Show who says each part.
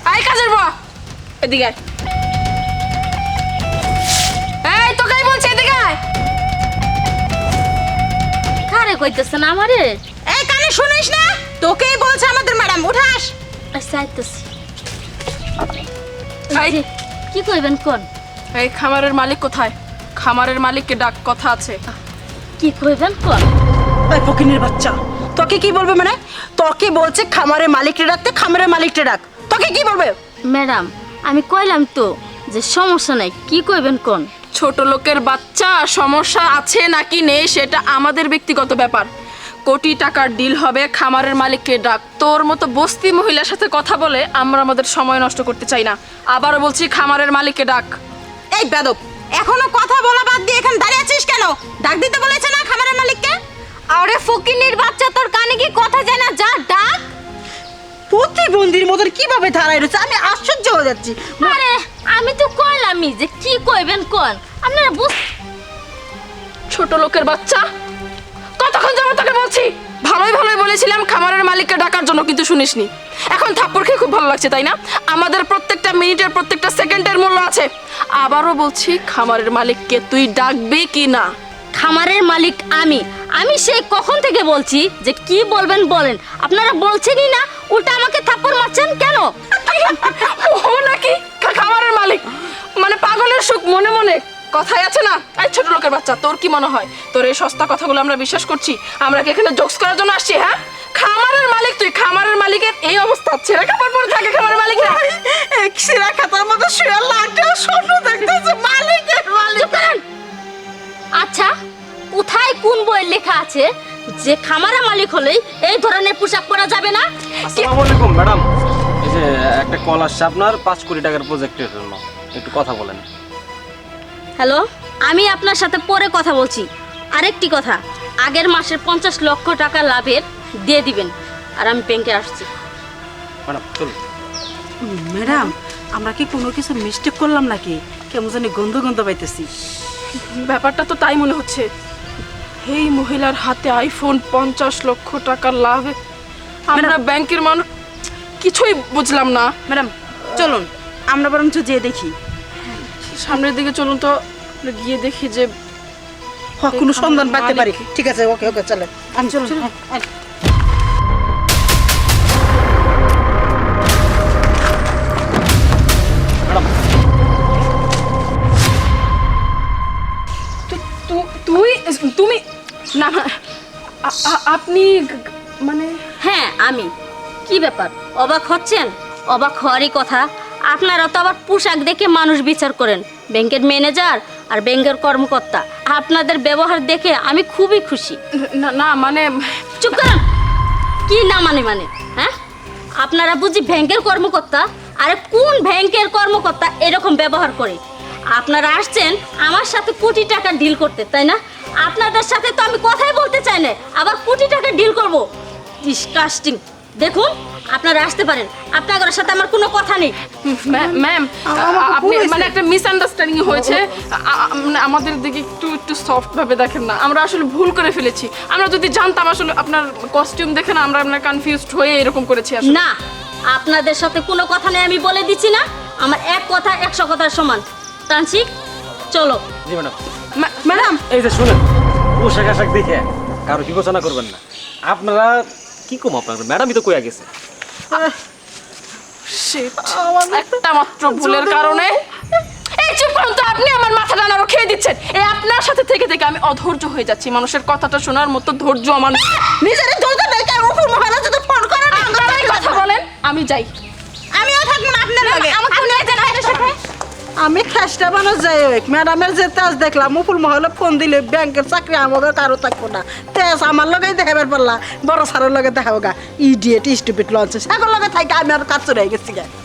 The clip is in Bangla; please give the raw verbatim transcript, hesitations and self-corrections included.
Speaker 1: আই কাজের বুয়া এদিকে আয়। এই তোকেই বলছি এদিকে আয়।
Speaker 2: কারে কইতেছেন আমারে?
Speaker 3: এই কানে শুনিস না? তোকেই বলছে আমাদের ম্যাডাম, উঠাস।
Speaker 2: আচ্ছা আইতেছি।
Speaker 1: এই,
Speaker 2: কি কইবেন কোন?
Speaker 1: এই খামারের মালিক কোথায়? খামারের মালিককে ডাক, কথা আছে।
Speaker 2: কি কইবেন কোন?
Speaker 3: এই ফকিনের বাচ্চা, তোকে কি বলবে? মানে তোকে বলছে খামারের মালিককে ডাকতে, খামারের মালিককে ডাক। তোকে কি বলবে?
Speaker 2: ম্যাডাম আমি কইলাম তো যে সমস্যা নাই, কি কইবেন কোন?
Speaker 1: ছোট লোকের বাচ্চা, সমস্যা আছে নাকি নেই সেটা আমাদের ব্যক্তিগত ব্যাপার। কোটি টাকার ডিল হবে, খামারের মালিককে ডাক। তোর মতো বস্তি মহিলার সাথে কথা বলে আমরা আমাদের সময় নষ্ট করতে চাই না। আবারও বলছি, খামারের মালিককে ডাক।
Speaker 3: এই বেদব, এখনো কথা বলা বাদ দিয়ে এখানে দাঁড়িয়ে আছিস কেন? ডাক দিতে বলেছে না খামারের মালিককে?
Speaker 2: আরে ফকিনির বাচ্চা, তোর কানে কি কথা যায় না? যা ডাক।
Speaker 3: প্রতিবন্ধীর মতন কিভাবে দাঁড়ায় রয়েছে, আমি আশ্চর্য হয়ে যাচ্ছি।
Speaker 2: আরে আমি তো কইলামই যে কি কইবেন কোন। আপনারা বুঝ
Speaker 1: ছোট লোকের বাচ্চা, কতক্ষণ যাবো তোকে বলছি? ভালোই ভালোই বলেছিলাম খামারের মালিককে ডাকার জন্য, কিন্তু শুনিসনি। এখন থাপ্পড় খেয়ে খুব ভালো লাগছে, তাই না? আমাদের প্রত্যেকটা মিনিটের, প্রত্যেকটা সেকেন্ডের মূল্য আছে। আবারও বলছি, খামারের মালিককে তুই ডাকবি কি না?
Speaker 2: খামারের মালিক আমি আমি সেই কখন থেকে বলছি যে কি বলবেন বলেন। আপনারা বলছেনই না, উল্টা আমাকে থাপ্পড় মারছেন কেন?
Speaker 1: ও নাকি খা- খামারের মালিক? মানে পাগলের সুখ মনে মনে, কথাই আছে না? এই ছোট লোকের বাচ্চা, তোর কি মনে হয় তোর এই সস্তা কথাগুলো আমরা বিশ্বাস করছি? আমরা কি এখানে জোকস করার জন্য আসছি? হ্যাঁ, খামারের মালিক তুই। খামারের মালিকের এই অবস্থা, ছেড়ে খাবার পরে থাকে খামারের মালিক না।
Speaker 3: এক সিরা খাতার মতো শুয়ে লাটে স্বপ্ন দেখতেছে মালিকের মালিক।
Speaker 2: আচ্ছা, কোথায় কোন বইয়ে লেখা আছে যে খামারের মালিক হলেই এই ধরনের পোশাক পরা যাবে না?
Speaker 4: আসসালামু আলাইকুম ম্যাডাম। এই যে একটা কল আসছে আপনার পাঁচ কোটি টাকার প্রজেক্টের জন্য, একটু কথা বলেন।
Speaker 2: হ্যালো, আমি আপনার সাথে পরে কথা বলছি। আরেকটি কথা, আগের মাসের পঞ্চাশ লক্ষ টাকা লাভের দিয়ে দিবেন, আর আমি ব্যাংকে আসছি।
Speaker 4: ম্যাডাম চলুন।
Speaker 3: ম্যাডাম, আমরা কি কোনো কিছু মিস্টেক করলাম নাকি? কেমন জানি গন্ধ গন্ধ পাইতেছি।
Speaker 1: ব্যাপারটা তো তাই মনে হচ্ছে। এই মহিলার হাতে আইফোন, পঞ্চাশ লক্ষ টাকার লাভ। আমরা ব্যাংকের মানুষ, কিছুই বুঝলাম না।
Speaker 3: ম্যাডাম চলুন আমরা বরঞ্চ যেয়ে দেখি।
Speaker 1: সামনের দিকে চলুন তো, আমরা গিয়ে দেখি যে
Speaker 3: হ, কোনো
Speaker 1: এই
Speaker 3: সন্ধান
Speaker 1: খামারের
Speaker 3: পাইতে পারি।
Speaker 1: মালিক।
Speaker 3: ঠিক আছে, ওকে ওকে চলেন। আমি চলুন।
Speaker 4: ম্যাডাম
Speaker 1: তু- তু- তুই তুমি না না, আ- আ- আপনি গ- মানে
Speaker 2: হ্যাঁ আমি। কি ব্যাপার, অবাক হচ্ছেন? অবাক হওয়ারই কথা। আপনারা তো আবার পোশাক দেখে মানুষ বিচার করেন। ব্যাংকের ম্যানেজার আর ব্যাংকের কর্মকর্তা, আপনাদের ব্যবহার দেখে আমি খুবই খুশি।
Speaker 1: না না মানে
Speaker 2: চুপ করেন। কি না মানে মানে হ্যাঁ, আপনারা বুঝি ব্যাংকের কর্মকর্তা? আরে কোন ব্যাংকের কর্মকর্তা এরকম ব্যবহার করে? আপনারা আসছেন আমার সাথে কোটি টাকা ডিল করতে, তাই না? আপনাদের সাথে তো আমি কথাই বলতে চাই না, আবার কোটি টাকা ডিল করব? ডিসকাস্টিং। দেখুন, আপনারা আসতে পারেন, আপনাদের সাথে আমার কোনো কথা নেই।
Speaker 1: ম্যাম ম্যাম,
Speaker 3: আমাকে
Speaker 1: আপনি
Speaker 3: বলেছে।
Speaker 1: মানে একটা মিসআন্ডারস্ট্যান্ডিং হয়েছে। আ- আ- মানে আমাদের দিকে একটু একটু সফট ভাবে দেখেন না, আমরা আসলে ভুল করে ফেলেছি। আমরা যদি জানতাম আসলে আপনার কস্টিউম দেখে না, আমরা আপনার কনফিউজড হয়ে এরকম করেছি আসলে।
Speaker 2: না, আপনাদের সাথে কোনো কথা নেই, আমি বলে দিচ্ছি না। আমার এক কথা একশো কথার সমান। তানসিক চলো।
Speaker 4: জি ম্যাডাম।
Speaker 1: মা-
Speaker 3: ম্যাডাম
Speaker 4: এই যে শুনেন, পোশাক আশাক দেখে কারো বিবেচনা করবেন না। আপনারা কি কম, আপনার ম্যাডামই তো কইয়া গেছে।
Speaker 1: Shit, একটা মাত্র ভুলের কারণে। এই চুপ করুন তো, আপনি আমার মাথা টানারও খেয়ে দিচ্ছেন। এই আপনার সাথে থেকে থেকে আমি অধৈর্য হয়ে যাচ্ছি। মানুষের কথাটা শোনার মতো ধৈর্য আমার নেই।
Speaker 3: নিজের ধৈর্য নেই, কেন উপর মহারাজ যদি ফোন করে না?
Speaker 1: আপনারাই কথা বলেন, আমি যাই।
Speaker 3: আমিও থাকবো না আপনার লগে।
Speaker 2: আমাকে নিয়ে যান আপনার সাথে।
Speaker 3: আমি খেসটা বানো যাই হোক, ম্যাডামের যে তেজ দেখলাম মুকুল মহলে ফোন দিলে ব্যাংকের চাকরি আমাদের কারো থাকবো না। তেজ আমার লগে দেখাবার পারলা, বড় সারের লগে দেখাবো গা। ইডিয়েট স্টুপিড লঞ্চ সাগর লগে থাকে, আমি আর কাজ চলে গেছি গা।